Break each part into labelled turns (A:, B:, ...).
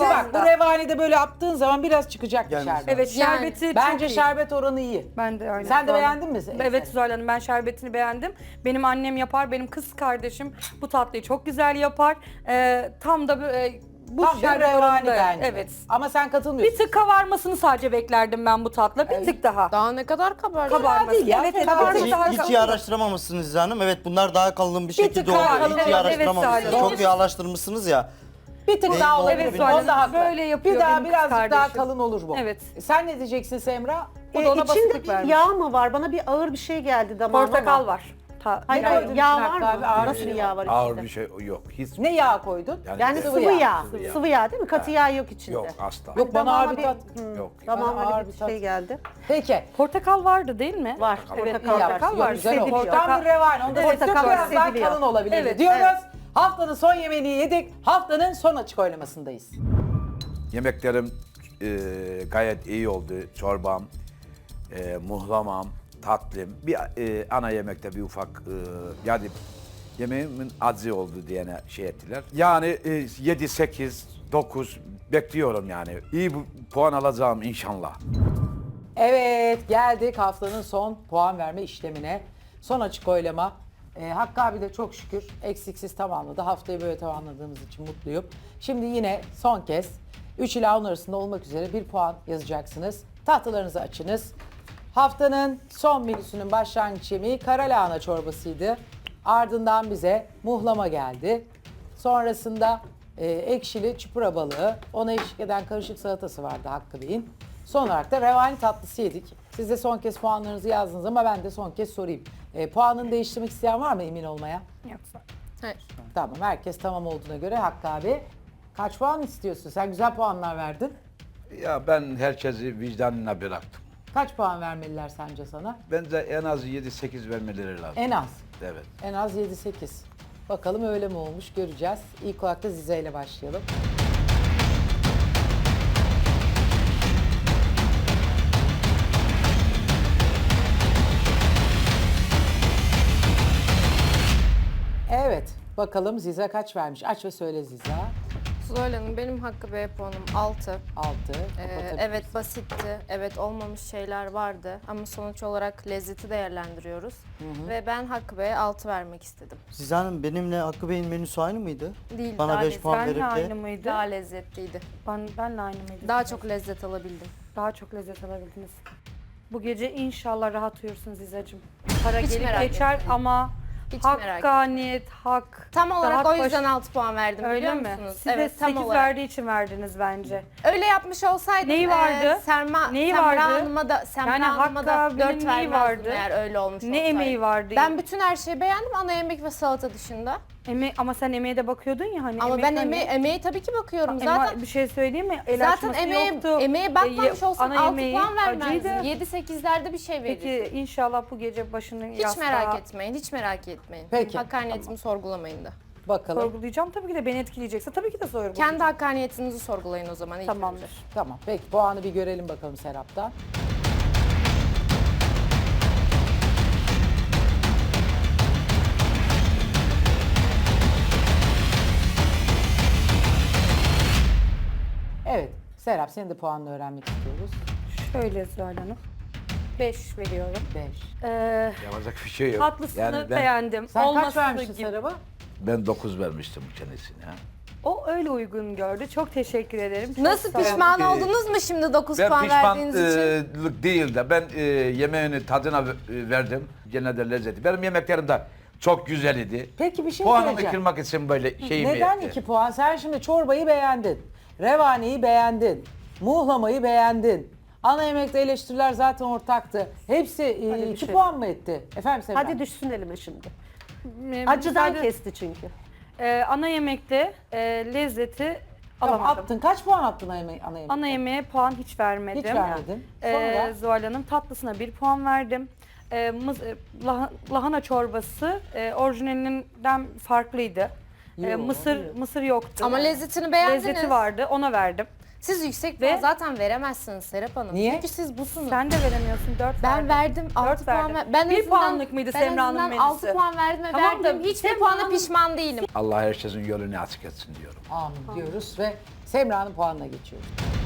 A: bak bu revanide böyle yaptığın zaman biraz çıkacak bir
B: Yani-
A: şerbet.
C: Evet
D: Yani,
C: şerbeti
A: Bence
C: çok iyi.
A: şerbet oranı iyi.
C: Ben de aynen.
A: Sen de
C: Zuhal
A: beğendin mi?
C: Hanım. Evet Zuhal Hanım, ben şerbetini beğendim. Benim annem yapar, benim kız kardeşim bu tatlıyı çok güzel yapar. Tam da bu
A: Tam bir
C: şerbet
A: revani
C: oranında.
A: bence.
C: Evet.
A: Ama sen katılmıyorsun.
C: Bir tık kavarmasını sadece beklerdim ben bu tatla. Bir tık daha.
D: Daha ne kadar kabar?
C: Kabarması.
A: değil ya,
C: Evet,
A: fena
C: kabarması
A: değil.
C: daha
B: Hiç iyi
C: kalın.
B: araştıramamışsınız Zizan Hanım. Evet bunlar daha kalın bir şekilde
A: tık daha
B: oluyor.
A: kalın.
B: Hiç iyi
C: Evet,
B: araştıramamışsınız.
C: evet,
B: Çok iyi araştırmışsınız ya.
A: Bir tık daha
B: Evet,
A: olabilir.
C: evet, Zuhal
A: Onda
C: Hanım,
A: haklı.
C: böyle yapıyor
A: Bir daha
C: benim kız
A: birazcık daha
C: kardeşim.
A: kalın olur bu.
C: Evet.
A: Sen ne diyeceksin Semra?
C: O da ona
E: İçinde
C: basitlik
E: bir
C: vermiş.
E: yağ mı var? Bana bir ağır bir şey geldi damağıma.
C: Portakal
E: ama.
C: var.
E: Hayır,
A: Ne
E: hayır,
A: koydun
E: yağ
A: içine
E: var
A: hatta
E: mı?
A: bir ağır
E: Nasıl
A: bir
E: bir
A: şey
E: yağ var
F: Ağır
E: içinde?
F: bir şey yok. Hiç.
A: Ne yağ koydun?
E: Yani
A: Sıvı
E: sıvı
A: yağ.
E: yağ.
F: Sıvı yağ.
E: Sıvı yağ değil mi? Katı yağ yok içinde.
F: Yok asla.
A: Yok bana ağır bir tat.
F: Yok.
E: Damağıma
A: Bana ağır
E: öyle
A: bir
E: bir
A: tat.
E: şey geldi.
A: Peki.
C: Portakal vardı değil mi?
E: Var.
C: Evet,
E: Portakal var.
C: portakal var.
A: Güzel o.
E: Hissediliyor.
A: Tam bir revani. Onda
C: Evet,
A: portakal biraz daha
E: hissediliyor.
A: kalın olabilir
C: Evet,
A: diyoruz.
E: evet.
A: Haftanın son yemeğini yedik. Haftanın son açık oylamasındayız.
F: Yemeklerim gayet iyi oldu. Çorbam, muhlamam, tatlım. Bir ana yemekte bir ufak yani yemeğimin acı oldu diyene şey ettiler. Yani 7, 8, 9 bekliyorum yani. İyi bir puan alacağım inşallah.
A: Evet geldik haftanın son puan verme işlemine. Son açık oylama. Hakkı abi de çok şükür eksiksiz tamamladı. Haftayı böyle tamamladığımız için mutluyum. Şimdi yine son kez 3 ila 10 arasında olmak üzere bir puan yazacaksınız. Tahtalarınızı açınız. Haftanın son menüsünün başlangıç yemeği kara lahana çorbasıydı. Ardından bize muhlama geldi. Sonrasında ekşili çupra balığı, ona eşlik eden karışık salatası vardı Hakkı Bey'in. Son olarak da revani tatlısı yedik. Siz de son kez puanlarınızı yazdınız ama ben de son kez sorayım. Puanını değiştirmek isteyen var mı emin olmaya?
C: Yoksa.
D: Hayır.
A: Tamam, herkes tamam olduğuna göre Hakkı abi. Kaç puan istiyorsun? Sen güzel puanlar verdin.
F: Ya ben herkesi vicdanına bıraktım.
A: Kaç puan vermeliler sence sana?
F: Bence en az 7-8 vermeleri lazım.
A: En az.
F: Evet.
A: En az 7-8. Bakalım öyle mi olmuş göreceğiz. İlk olarak da Zize ile başlayalım. Evet. Bakalım Zize kaç vermiş? Aç ve söyle Zize.
D: Zuhal Hanım benim Hakkı Bey puanım 6.
A: 6.
D: Evet basitti. Evet olmamış şeyler vardı. Ama sonuç olarak lezzeti değerlendiriyoruz. Ve ben Hakkı Bey'e 6 vermek istedim.
B: Zizan Hanım benimle Hakkı Bey'in menüsü aynı mıydı?
D: Değil,
B: Bana
D: daha
B: 5 puan
C: Benle
B: verip
C: aynı
B: de
C: mıydı?
D: Daha lezzetliydi.
C: Benle aynı mıydı?
D: Daha çok lezzet alabildim.
C: Daha çok lezzet alabildiniz. Bu gece inşallah rahat uyursun Zizacığım. Para
D: Hiç
C: gelip
D: merak
C: geçer
D: etmeyin.
C: ama
D: Hiç merak
C: hakkaniyet, hak.
D: Tam olarak
C: hak
D: o
C: baş-
D: yüzden 6 puan verdim
C: Öyle
D: biliyor
C: mi?
D: musunuz?
C: Siz de 8
D: olarak.
C: verdiği için verdiniz bence.
D: Öyle yapmış olsaydım
C: Neyi vardı? Neyi
D: Semra
C: vardı?
D: Hanım'a da, Semra
C: Yani
D: Hanım'a
C: Hakkı
D: da
C: abinin
D: 4
C: neyi
D: vermezdim
C: vardı?
D: eğer öyle olmuş
C: Ne
D: olsaydı.
C: emeği vardı?
D: Ben bütün her şeyi beğendim ana yemek ve salata dışında.
C: Ama sen emeğe de bakıyordun ya hani.
D: Ama ben
C: hani-
D: emeğe tabii ki bakıyorum.
C: Ama
D: Zaten
C: bir şey söyleyeyim mi? El
D: zaten
C: açması
D: emeğe,
C: yoktu.
D: emeğe bakmamış olsam
C: ana
D: 6
C: yemeği
D: puan vermezdim.
C: acıydı.
D: 7-8'lerde bir şey verirdim.
C: Peki inşallah bu gece başını
D: Hiç merak etmeyin, hiç merak etmeyin.
A: Peki.
D: Hakkaniyetimi sorgulamayın da.
A: Bakalım.
C: Sorgulayacağım tabii ki de beni etkileyecekse tabii ki de sorgulayacağım.
D: Kendi hakkaniyetinizi sorgulayın o zaman. ilk
C: Tamamdır.
D: önce.
A: Tamam. Peki puanı bir görelim bakalım Serap'tan. Evet. Serap senin de puanını öğrenmek istiyoruz.
C: Şöyle Zuhal Hanım. 5 veriyorum.
A: 5.
F: Yapacak bir şey yok.
C: Tatlısını
F: Yani
C: beğendim.
A: Sen kaç
C: Olmasını
A: vermiştin
C: gibi.
A: Serap'a?
F: Ben 9 vermiştim kendisine.
C: O öyle uygun gördü. Çok teşekkür ederim. Çok
D: Nasıl
C: sağ olun.
D: pişman
F: Ee,
D: oldunuz mu şimdi 9
F: Ben
D: puan verdiğiniz için?
F: pişmanlık değil de ben yemeğini tadına verdim. Gene de lezzeti. Benim yemeklerim de çok güzel idi.
A: Peki bir şey
F: Puanımı
A: söyleyeceğim.
F: kırmak için böyle şeyimi
A: Neden
F: etti.
A: 2 puan? Sen şimdi çorbayı beğendin. Revaniyi beğendin. Muhlamayı beğendin. Ana yemekte eleştiriler zaten ortaktı. Hepsi 2
E: düşelim.
A: puan mı etti? Efendim Serap?
E: Hadi düşsün elime şimdi.
C: Ee,
E: Acıdan
C: müsaade-
E: kesti çünkü.
C: Ana yemekte lezzeti
A: Tamam,
C: alamadım.
A: attın. Kaç puan attın ana yemeğe?
C: Ana yemeğe puan hiç vermedim.
A: Hiç vermedin. Sonra?
C: Zuhal Hanım tatlısına 1 puan verdim. Lahana çorbası orijinalinden farklıydı.
A: Yo,
C: Mısır yoktu.
D: Ama lezzetini beğendiniz.
C: Lezzeti vardı, ona verdim.
D: Siz yüksek
C: Ve-
D: puan zaten veremezsiniz Serap Hanım.
A: Niye?
D: Çünkü siz busunuz.
C: Sen de veremiyorsun, 4
D: Ben verdim 6 puan
C: verdim.
D: ver. Ben
C: Bir
D: azından-
C: puanlık mıydı
D: ben
C: Semra'nın
D: azından
C: menüsü?
D: 6 puan verdim ve
C: Tamam da
D: verdim. Hiçbir
C: Semra'nın-
D: puana pişman değilim.
F: Allah herkesin yolunu açık etsin diyorum.
A: Amin diyoruz ve Semra'nın puanına geçiyoruz.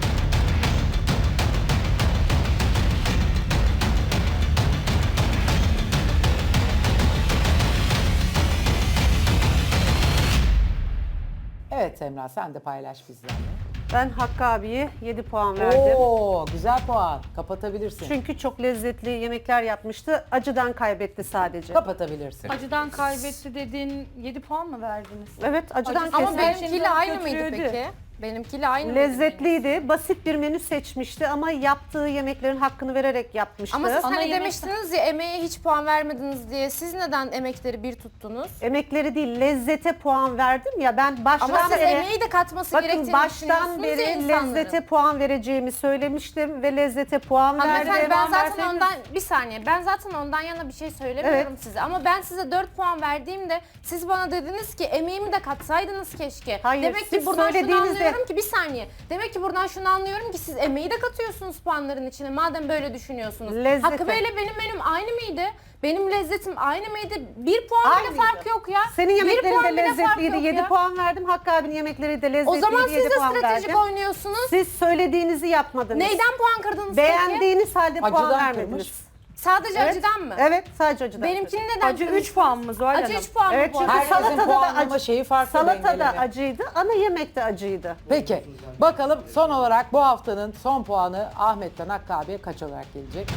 A: Evet Semra, sen de paylaş bizlerle.
E: Ben Hakkı abiye 7 puan verdim.
A: Oo, güzel puan. Kapatabilirsin.
E: Çünkü çok lezzetli yemekler yapmıştı. Acıdan kaybetti sadece.
A: Kapatabilirsin.
C: Acıdan kaybetti dedin 7 puan mı verdiniz?
E: Evet, acıdan
C: Acısı-
D: Ama
E: kesildi.
D: benimkiyle aynı mıydı
C: götürüyordu.
D: peki? Benimkiyle aynı mıydı?
E: Lezzetliydi. Basit bir menü seçmişti ama yaptığı yemeklerin hakkını vererek yapmıştı.
D: Ama siz
C: Ana
D: hani
C: yemek-
D: demiştiniz ya emeğe hiç puan vermediniz diye. Siz neden emekleri bir tuttunuz?
E: Emekleri değil, lezzete puan verdim ya. Ben baştan
D: Ama siz
E: beri...
D: emeği de katması
E: Bakın
D: gerektiğini
E: baştan
D: düşünüyorsunuz ya
E: beri
D: insanların.
E: lezzete puan vereceğimi söylemiştim ve lezzete puan
D: Hanımefendi
E: verdim.
D: ben zaten
C: verseydiniz-
D: ondan bir saniye ben zaten ondan yana bir şey söylemiyorum size ama ben size 4 puan verdiğimde siz bana dediniz ki emeğimi de katsaydınız keşke.
E: Hayır,
D: Demek ki
E: siz
D: buradan şunu
E: söylediğinizde-
D: anlıyorum ki bir saniye. Demek ki buradan şunu anlıyorum ki siz emeği de katıyorsunuz puanların içine madem böyle düşünüyorsunuz.
E: Lezzete.
D: Hakkı Bey'le benim menüm aynı mıydı? Benim lezzetim aynı mıydı? 1 puan bile
E: Aynıydı.
D: fark yok ya.
E: Senin
D: Bir
E: yemeklerin
D: puan
E: de
D: bile fark
E: lezzetliydi.
D: yok
E: 7
D: ya.
E: puan verdim. Hakkı abinin yemekleri de lezzetliydi.
D: O zaman siz
E: 7
D: de
E: puan
D: stratejik
E: verdim.
D: oynuyorsunuz.
E: Siz söylediğinizi yapmadınız.
D: Neyden puan kırdınız peki?
E: Beğendiğiniz halde puan
A: Acıdan
E: vermediniz.
A: kırmış.
D: Sadece
E: Evet.
D: acıdan mı?
E: Evet, sadece acıdan.
D: Benimkini neden
C: Acı
D: kırdınız?
C: 3 puan mı Zuhal
D: Acı
C: Hanım?
D: 3 puan
E: Evet,
D: mı bu
E: çünkü
D: arada?
A: Herkesin
E: salatada da
A: puanlama
E: acı.
A: şeyi farklı,
E: Salatada
A: dengeleme.
E: acıydı, ana yemek de acıydı.
A: Peki, bakalım son olarak bu haftanın son puanı Ahmet'ten Hakkı abiye kaç olarak gelecek?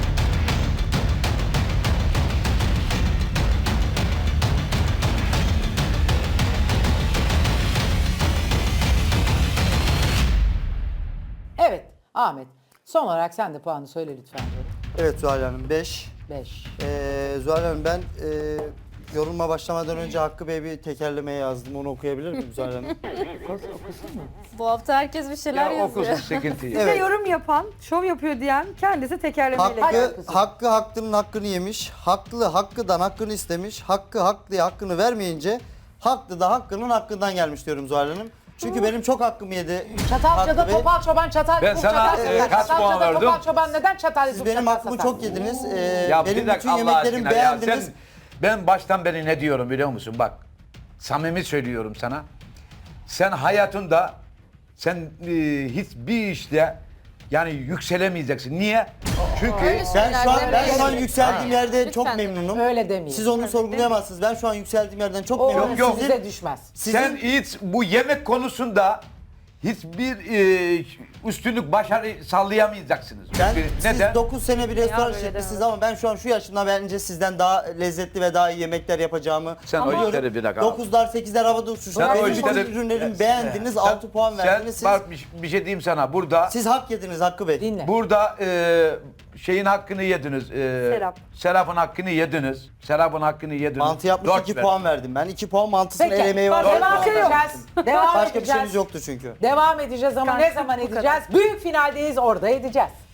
A: Evet, Ahmet. Son olarak sen de puanı söyle lütfen canım.
B: Evet Zuhal Hanım 5.
A: 5.
B: Zuhal Hanım ben yorulma başlamadan önce Hakkı Bey bir tekerlemeye yazdım. Onu okuyabilir miyim Zuhal Hanım?
D: Bu hafta herkes bir şeyler
F: Ya
D: yazıyor.
F: okusun sıkıntı yok.
C: Bize yorum yapan, şov yapıyor diyen kendisi tekerlemeyle geldi.
B: Hakkı hakkının hakkını yemiş. Haklı hakkıdan hakkını istemiş. Hakkı haklıya hakkını vermeyince haklı da hakkının hakkından gelmiş diyorum Zuhal Hanım. Çünkü benim çok hakkımı yedi.
A: Çatalca'da
B: Hakkı Bey.
A: topal çoban çatal
F: Ben
A: yapıp
F: sana,
A: çatal satar.
F: kaç puan
A: Çatalca'da
F: verdim?
A: topal çoban neden çatal
B: Siz
A: yapıp
B: benim
A: çatal
B: hakkımı
A: satar?
B: çok yediniz.
F: Ya
B: Benim
F: bir dakika
B: bütün
F: Allah
B: yemeklerimi
F: aşkına ya.
B: beğendiniz.
F: Ben baştan beri ne diyorum biliyor musun? Bak samimi söylüyorum sana. Sen hayatında hiçbir işte yani yükselemeyeceksin. Niye? Çünkü
D: Öyle
B: Ben şu an
D: Lütfen.
B: yükseldiğim yerde çok
D: Lütfen.
B: memnunum.
A: Öyle demeyin.
B: Siz onu sorgulayamazsınız. Ben şu an yükseldiğim yerden çok
A: O
B: memnunum.
F: Yok,
A: size düşmez.
F: sen hiç bu yemek konusunda hiçbir üstünlük başarı sallayamayacaksınız.
B: Ben,
F: Çünkü
B: siz 9 sene bir restoran
C: böyle
B: işletmişsiniz ama ben şu an şu yaşımda bence sizden daha lezzetli ve daha iyi yemekler yapacağımı
F: Sen o
B: biliyorum.
F: işleri bir dakika.
B: 9'lar 8'ler havada uçuştu.
F: Sen o
B: Benim
F: işleri-
B: bütün ürünlerimi beğendiniz, 6 puan verdiniz.
F: Sen, bak bir şey diyeyim sana. Burada
B: Siz hak yediniz Hakkı Bey.
A: Dinle.
F: Burada şeyin hakkını yediniz.
C: Serap.
F: Serap'ın hakkını yediniz. Serap'ın hakkını yediniz.
B: Mantı yapmış
F: Dört
B: 2
F: ver.
B: puan verdim. Ben 2 puan mantısının
A: Peki,
B: el emeği var.
A: devam
B: Dört puan verdim.
A: edeceğiz. Devam
B: Başka bir
A: edeceğiz.
B: şeyiniz yoktu çünkü.
A: Devam edeceğiz ama ne zaman edeceğiz? Büyük finaldeyiz, orada edeceğiz.